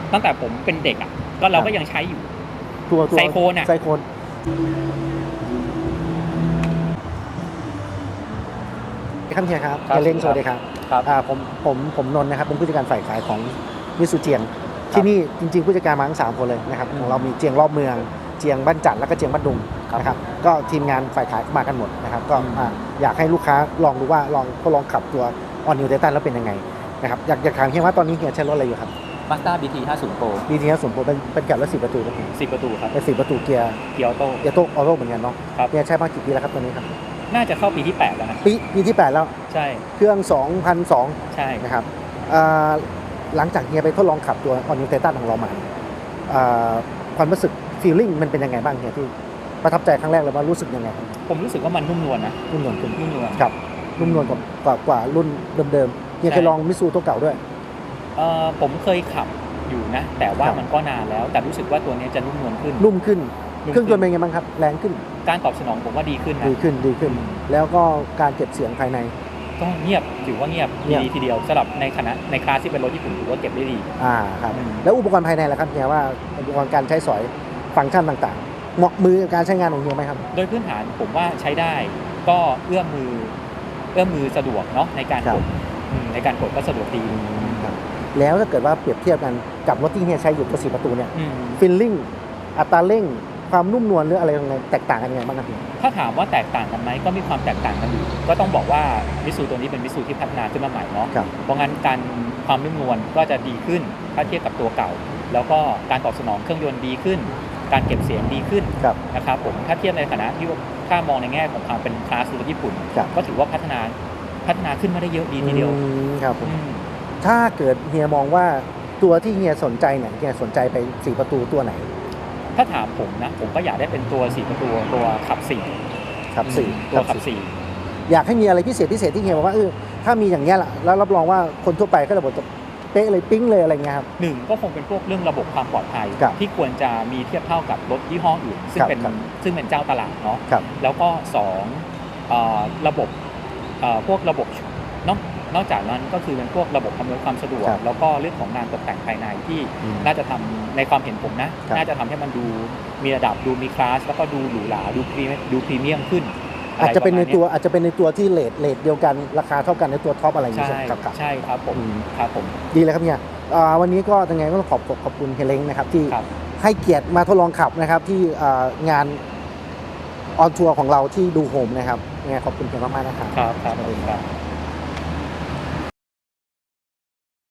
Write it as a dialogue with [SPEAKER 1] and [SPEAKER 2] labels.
[SPEAKER 1] ตั้งแต่ผมเป็นเด็กอ่ะก็เราก็ยังใช้อยู่
[SPEAKER 2] ตัว
[SPEAKER 1] ไซโคนอ่ะ
[SPEAKER 2] ไซโคนครับเฮียครับเฮียเล้งสวัสดีครับผมนนท์นะครับเป็นผู้จัดการฝ่ายขายของมิสูเจียงที่นี่จริงๆผู้จัดการมาทั้ง3 คนเลยนะครับของเรามีเจียงรอบเมืองเจียงบ้านจันทร์แล้วก็เจียงบ้านดุงนะครับก็ทีมงานฝ่ายขายมากันหมดนะครับก็อยากให้ลูกค้าลองดูว่าลองขับตัว All New Titan แล้วเป็นยังไงนะครับอยากถามเฮียว่าตอนนี้เฮียใช้รถอะไรอยู่ครับ
[SPEAKER 1] Mazda BT 50 Pro
[SPEAKER 2] BT 50 Proเป็นแกะรถ10 ประตูครับ
[SPEAKER 1] 10 ประตูครับ
[SPEAKER 2] เป็น10 ประตูเกียร์
[SPEAKER 1] ออโต้
[SPEAKER 2] ออโต้เหมือนกันเนาะเฮียใช้มากี่ปีแล้วครับตัวนี้ครับ
[SPEAKER 1] น่าจะเข้าปีที่8แล้วนะ
[SPEAKER 2] ปีที่8แล้ว
[SPEAKER 1] ใช่
[SPEAKER 2] เครื่อง2002
[SPEAKER 1] ใช่
[SPEAKER 2] นะครับหลังจากเฮียไปทดลองขับตัว All New Titan ของเรามาความรู้สึก feeling มันเป็นยังไงบ้างเฮียที่ประทับใจครั้งแรกเลยว่ารู้สึกยังไง
[SPEAKER 1] ผมรู้สึกว่ามันนุ่มนวลนะ
[SPEAKER 2] นุ่มนวลขึ้น
[SPEAKER 1] นุ่มนวล
[SPEAKER 2] ครับนุ่มนวลกว่ารุ่นเดิมๆเฮียเคยลองมิซูตัวเก่าด้วย
[SPEAKER 1] ผมเคยขับอยู่นะแต่ว่ามันก็นานแล้วแต่รู้สึกว่าตัวนี้จะนุ่มนวลขึ้น
[SPEAKER 2] เครื่องยนต์เป็นไงบ้างครับแรงขึ้น
[SPEAKER 1] การตอบสนองผมว่าดีขึ้นนะ
[SPEAKER 2] ดีขึ้นแล้วก็การเก็บเสียงภายใน
[SPEAKER 1] ก็เงียบถือว่าเงียบดีทีเดียวสำหรับในคลาสที่เป็นรถญี่ปุ่นถือว่าเก็บได้ดี
[SPEAKER 2] ครับแล้วอุปกรณ์ภายในล่ะครับเฮียว่าอุปกรณ์การใช้สอยฟังก์ชันต่างๆเหมาะมือกับการใช้งานของเฮียไหมครับ
[SPEAKER 1] โดยพื้นฐานผมว่าใช้ได้ก็เอื้อมมือสะดวกเนาะในการกดก็สะดวกดี
[SPEAKER 2] แล้วถ้าเกิดว่าเปรียบเทียบกันกับรถที่เฮียใช้อยู่ตัว4 ประตูเนี่ยฟีลลิ่งอัตราเร่งความนุ่มนวลหรืออะไรแตกต่างกันยังไงบ้างครับ
[SPEAKER 1] ถ้าถามว่าแตกต่างกันไหมก็มีความแตกต่างกันอยู่ก็ต้องบอกว่ามิซูตัวนี้เป็นมิซูที่พัฒนาขึ้นมาใหม่เนาะเพราะงั้นความนุ่มนวลก็จะดีขึ้นถ้าเทียบกับตัวเก่าแล้วก็การตอบสนองเครื่องยนต์ดีขึ้นการเก็บเสียงดีขึ้นนะครับผมถ้าเทียบในฐานะที่ถ้ามองในแง่ของความเป็นคลาสรถญี่ปุ่นก็ถือว่าพัฒนาขึ้นมาได้เยอะดีทีเดียว
[SPEAKER 2] ครับถ้าเกิดเฮียมองว่าตัวที่เฮียสนใจเนี่ยเฮียสนใจไป4 ประตูตัวไหน
[SPEAKER 1] ถ้าถามผมนะผมก็อยากได้เป็นตัว4 ประตูตัวขับ4ตัวขับ4
[SPEAKER 2] อยากให้มีอะไรพิเศษที่เฮียบอกว่าถ้ามีอย่างเงี้ยล่ะแล้วรับรองว่าคนทั่วไปก็จะบอกจะเป๊ะเลยปิ๊งเลยอะไรเงี้ยครับ
[SPEAKER 1] 1ก็คงเป็นพวกเรื่องระบบความปลอดภัยที่ควรจะมีเทียบเท่ากับรถยี่ห้ออื่นซึ่งเป็นเจ้าตลาดเนาะแล้วก็2ระบบพวกระบบนอกจากนั้นก็คือเป็นพวกระบบอำนวยความสะดวกแล้วก็เรื่องของงานตกแต่งภายในที่น่าจะทำในความเห็นผมนะน่าจะทำให้มันดูมีระดับดูมีคลาสแล้วก็ดูหรูหราดูพรีเมียมขึ้น
[SPEAKER 2] อาจจะเป็นในตัวที่เลทเดียวกันราคาเท่ากันในตัวท็อปอะไรอย่างเงี้ย
[SPEAKER 1] ใช่ครับผม
[SPEAKER 2] ดีเลยครับเนี่ยวันนี้ก็ยังไงก็ต้องขอบคุณเฮเล้งนะครับที่ให้เกียรติมาทดลองขับนะครับที่งานออนทัวร์ของเราที่ดูโฮมนะครับยังไงขอบคุณเพียงมากๆนะครับ
[SPEAKER 1] ครับ